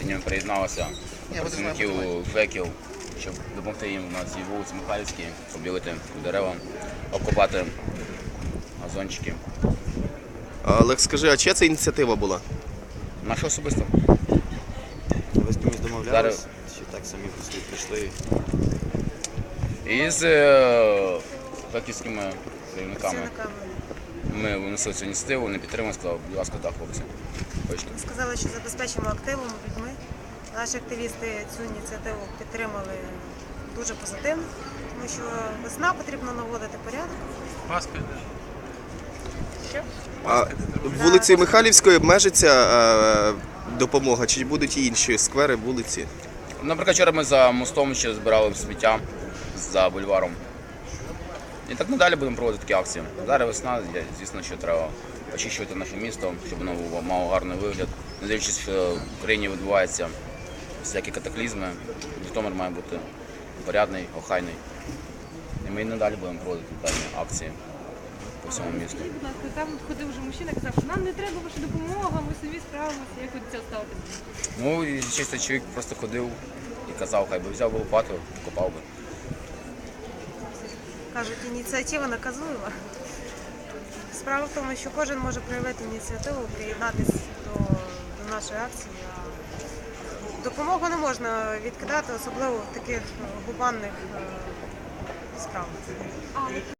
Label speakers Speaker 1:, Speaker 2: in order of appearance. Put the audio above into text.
Speaker 1: Сьогодні приєдналося працівників ЖЕКів, щоб допомогти їм на цій вулиці Михайлівській, побілити дерева, обкопати газончики.
Speaker 2: Олег, скажи, а чия це ініціатива була?
Speaker 1: Наша особисто.
Speaker 3: Ви з кимось домовлялись? Чи так самі прийшли?
Speaker 1: І з жеківськими керівниками. Ми винесли цю ініціативу, вони підтримали, сказали, будь ласка, так, хлопці. Хочете.
Speaker 4: Сказали, що забезпечимо активом, людьми. Наші активісти цю ініціативу підтримали дуже позитивно, тому що весна, потрібно наводити порядок.
Speaker 2: А вулиці Михайлівської обмежиться допомога, чи будуть і інші сквери, вулиці?
Speaker 1: Наприклад, вчора ми за мостом ще збирали сміття за бульваром. І так надалі будемо проводити такі акції. Зараз весна, звісно, що треба очищувати наше місто, щоб воно мало гарний вигляд. Не дивлячись, що в країні відбуваються всякі катаклізми, Житомир має бути порядний, охайний. І ми і надалі будемо проводити певні акції по всьому місту.
Speaker 5: Будь ласка, там ходив вже мужчина, казав, що нам не треба ваша допомога, ми самі справимося. Як ви до цього ставитесь?
Speaker 1: Ну, і чисто чоловік просто ходив і казав, хай би взяв би лопату, копав би.
Speaker 4: Кажуть, ініціатива наказуєва. Справа в тому, що кожен може проявити ініціативу, приєднатися до нашої акції. А допомогу не можна відкидати, особливо в таких гуманних справах.